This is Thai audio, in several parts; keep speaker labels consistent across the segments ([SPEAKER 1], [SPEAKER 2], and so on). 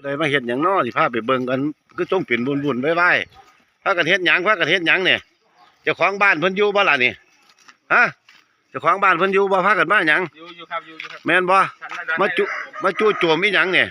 [SPEAKER 1] ได้มาเฮ็ดหยังน้อสิพาไปเบิ่งกันคือจงเป็นบุญๆไว้ๆพากันเฮ็ดหยังเนี่ยเจ้าของบ้านเพิ่นอยู่บ่ล่ะนี่ฮะเจ้าของบ้านเพิ่นอยู่บ่พากันมาหยัง
[SPEAKER 2] อยู่ครับ
[SPEAKER 1] แม่นบ่มาจู่โจมอีหยังเนี่ย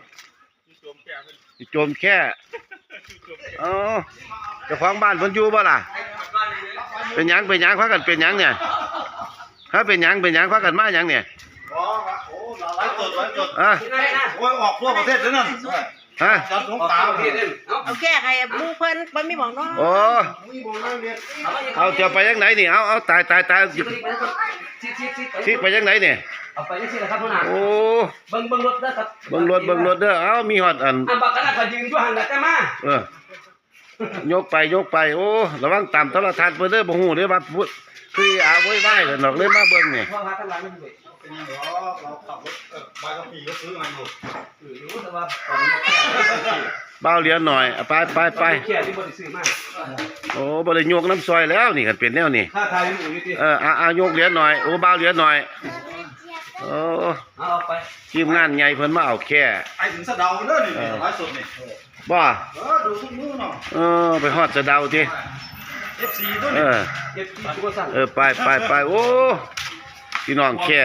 [SPEAKER 1] โจมแค่อ๋อเจ้าของบ้านเพิ่นอยู่บ่ล่ะเป็นหยังพากันเป็นหยังเนี่ยฮะเป็นหยังพากันมาหยังเนี่ย
[SPEAKER 3] โอ้ยออกทั่วประเทศเลยนั่น
[SPEAKER 1] ฮะ
[SPEAKER 4] เอาแก้ใครมูเพิ่นมันไม่บอกน้อง
[SPEAKER 1] โอ้เอาจะไปยังไหนนี่เอาตายสิไปยังไหนเนี่ย
[SPEAKER 2] เอาไปยังสิล่ะครับพ่อหน้า
[SPEAKER 1] โอ้
[SPEAKER 2] เบิ่งรถเด้อครับ
[SPEAKER 1] เบิ่งรถเด้อเอามีฮอดอัน
[SPEAKER 2] บักกันก็ยืนอยู่หั่นล่ะแต่มาย
[SPEAKER 1] กไปโอ้ระวังตามโทรทัศน์เพิ่นเด้อบ่ฮู้เด้อว่าคืออาโวยวายกันดอกเลยมาเบิ่งนี่
[SPEAKER 2] พ่อพาทั้งหลังมันด้วย
[SPEAKER 3] เราขับรถใบขับขี่ก็ซื้อมาอยู่
[SPEAKER 2] รู้แต่ว่าตอนนี้
[SPEAKER 1] เบาเหรียญหน่อยไป
[SPEAKER 2] แค่ที่บ่ได้ซื้อมา
[SPEAKER 1] โอ้บ่ได้ยกน้ำซอยแล้วนี่คันเป็นแนวนี่
[SPEAKER 2] ค่าทายอยู่ติ
[SPEAKER 1] ยกเหรียญหน่อยโอ้เบาเหรียญหน่อยโอ้
[SPEAKER 2] เอาไป
[SPEAKER 1] ทีมงานใหญ่เพิ่นมาเอาแค่
[SPEAKER 3] ไอ้ถึงสะเดาเด้อนี่ไลฟ์สดนี่
[SPEAKER 1] บ่
[SPEAKER 3] ดูทุกมื้อเนา
[SPEAKER 1] ะไปฮอดสะเดาติ
[SPEAKER 3] FC ตัวนี้
[SPEAKER 2] FC ตัวสั่น
[SPEAKER 1] ไปโอ้พี่น้องแค่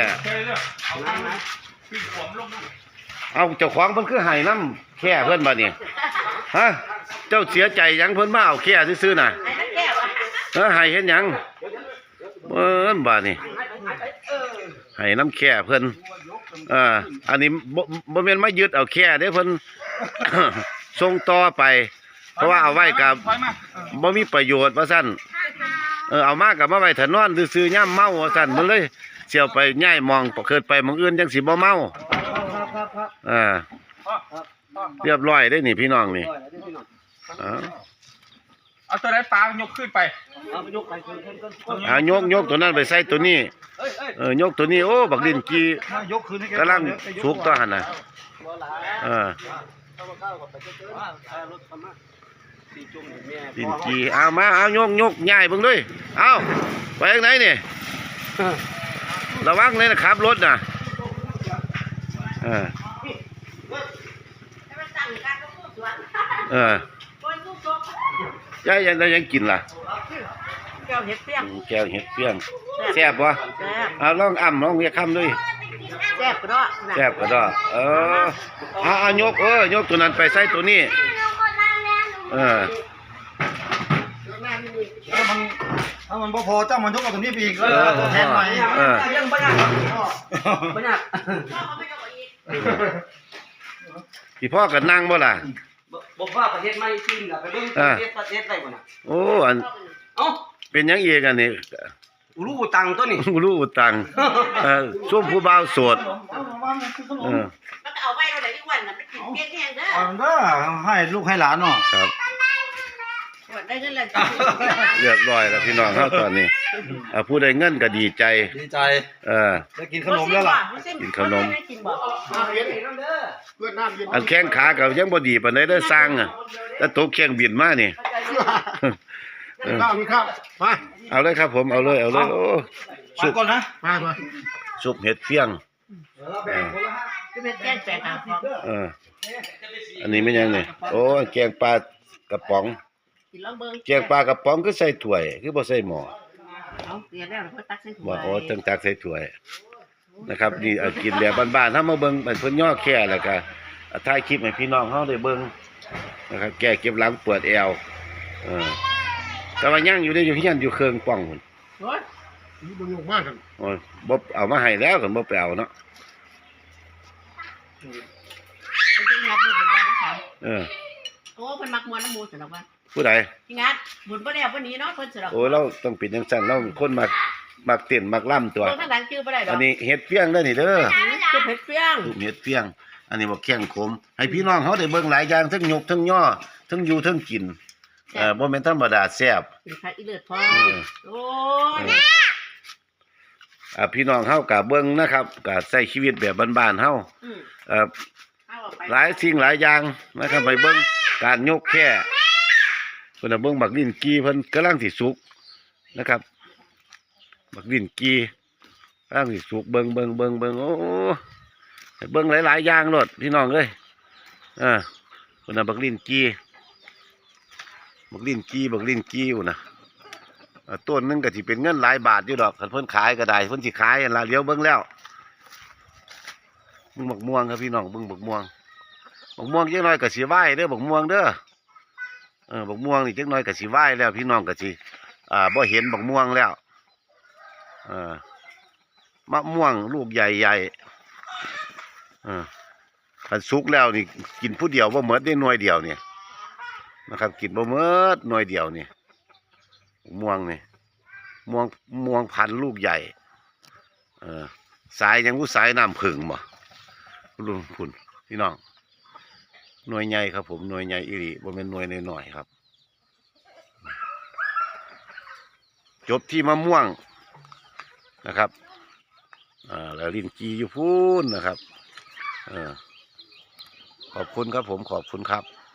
[SPEAKER 1] เอาเจ้าของเพิ่นคือให้น้ำแค่เพิ่นบัดนี้ฮะเจ้าเสียใจหยังเพิ่นมาเอาแค่ซื่อๆน่ะให้เฮ็ดหยังบัดนี้ให้น้ำแค่เพิ่นอันนี้บ่แม่นมายึดเอาแค่เด้เพิ่น ส่งต่อไปเพราะว่าเอาไว้กับบ่มีประโยชน์ว่าซั่นเอามากับมาไว้ถนนซื่อๆย่ำเมาว่าซั่นมันเลยเสี่ยวไปย้ายมองเกิดไปมองอื่นจังสิบ่เมาเรียบร้อยได้นี่พี่น้องนี่
[SPEAKER 2] เอาตัวไหนปลายกขึ้นไป
[SPEAKER 1] ยกตัวนั้นไปใส่ตัวนี้ยกตัวนี้โอ้บักดินกีกำลังสุกต่อหั่นน่ะดินกีเอามายกง่ายเบิ่งด้วยเอาไปทางไหนนี่ระวังเลยนะครับรถน่ะยายยังกินล่ะ
[SPEAKER 4] แก้วเห็ดเปี้ย
[SPEAKER 1] งแซ่บวะเอาลองลองเรียกคำด้วย
[SPEAKER 4] แซ่บก
[SPEAKER 1] ระดอยกตัวนั้นไปใส่ตัวนี้
[SPEAKER 3] ถ้ามันพอเจ้ามันยกเอาตัวนี้ไปอีกแทนใหม่
[SPEAKER 2] ยังบ่ยาก
[SPEAKER 1] พี่พ่อกับนั่งบ่ล่ะ
[SPEAKER 2] บอกว่าประเทศไม่จริงล่ะไปเบิ่งประเทศได้บ่น่ะ
[SPEAKER 1] โอ้อันเป็นยังอีกอันนี้
[SPEAKER 2] รู้ตังตัวนี้
[SPEAKER 1] รู้ตังช่วงผู้บ่าวโสด
[SPEAKER 4] มันเอาไว้เท่าไหร่ที่วันน่ะมันกินเปี้ยงแห้งเด้
[SPEAKER 3] อให้ลูกให้หลานเนาะ
[SPEAKER 1] ครับ
[SPEAKER 4] ได้เงินแล้ว
[SPEAKER 1] เรียบร้อยแล้วพี่น้องเฮาตอนนี้ผู้ได้เงินก็ดีใจ
[SPEAKER 3] ได้กินขนมแล้วล่ะ
[SPEAKER 1] กินขนมอันแข้งขาก็ยังบ่ดีปานใดเด้อสร้างแต่ตกแข้งบินมานี่
[SPEAKER 3] ข้าวมา
[SPEAKER 1] เอาเลยครับผมเอาเลยโอ้
[SPEAKER 3] สุกก่อนนะมา
[SPEAKER 1] สุกเห็ดเฟี้ยง
[SPEAKER 4] เป็นแกงแปลก
[SPEAKER 1] อันนี้ไม่ยังนี่โอ้แกงปลากระป๋องแกงปลากระป๋องก็ใส่ถ้วยคือบ่ใส่หม้อโอ้ตั้งตักใส่ถ้วยนะครับนี่กินแบบบ้านๆถ้ามาเบิ่งเป็นเพิ่นย่อแค่แล้วก็ถ่ายคลิปให้พี่น้องเฮาได้เบิ่งนะครับแก้เก็บหลังปวดแอวแต่ว่ายังอยู่ได้อยู่ที่ยันอยู่เครื่องป้องพุ่น
[SPEAKER 3] นี่บ่ยกมากกัน
[SPEAKER 1] โอ้ยบ่เอามาให้แล้วกันบ่ไปเอาเนาะ
[SPEAKER 4] โอ้เพิ่นมักมวนน้ำมูสำหรับว่า
[SPEAKER 1] ผู้ใด
[SPEAKER 4] พี่งัดบุญบ่ได้วันนี้เนาะเพิ่นสำหรับ
[SPEAKER 1] โอ้เราต้องเป็นจังซั่นเราคนมักเต้นมักล่ำตัว
[SPEAKER 4] ข้างหลังชื่อบ่ได้ดอก
[SPEAKER 1] อันนี้เฮ็ดเฟี้ยงเด้อนี่เด้อ
[SPEAKER 4] เฮ็ดเฟี้ยง
[SPEAKER 1] อันนี้บ่แข้งขมให้พี่น้องเฮาได้เบิ่งหลายอย่างทั้งยกทั้งย่อทั้งอยู่ทั้งกินบ่แม่นธรรมดาแซ่บ
[SPEAKER 4] อีเลือดพอโอ้
[SPEAKER 1] ยพี่น้องเฮาก็เบิ่งนะครับก็ใช้ชีวิตแบบบ้านๆเฮาหลายสิ่งหลายอย่างนะครับไปเบิ่งการยกแค่เพิ่นเบิ่งบักลิ้นกีเพิ่นกำลังสิสุกนะครับบักลิ้นกีกำลังสิสุกเบิ่งโอ้เบิ่งหลายๆอย่างโลดพี่น้องเอ้ยคนน่ะบักลิ้นกี้อยู่นะต้นนึงก็สิเป็นเงินหลายบาทอยู่ดอกคันเพิ่นขายก็ได้เพิ่นสิขายอันละเลี้ยวเบิ่งแล้วมึงบักม่วงครับพี่น้องเบิ่งบักม่วงจักหน่อยก็สิไหว้เด้อบักม่วงเด้อบักม่วงนี่จักหน่อยก็สิไหว้แล้วพี่น้องก็สิบ่เห็นบักม่วงแล้วมะม่วงลูกใหญ่คันสุกแล้วนี่กินผู้เดียวบ่หมดได้หน่วยเดียวนี่นะครับกินบ่หมดหน่วยเดียวนี่ม่วงนี่ม่วงพันธุ์ลูกใหญ่สายยังผู้สายน้ำผึ้งบ่รุ่นพุ่นพี่น้องหน่วยใหญ่ครับผมหน่วยใหญ่อีหลีบ่แม่นหน่วยน้อยๆครับจบที่มะม่วงนะครับแล้วลิ้นจีอยู่พูนนะครับขอบคุณครับผมขอบคุณครับ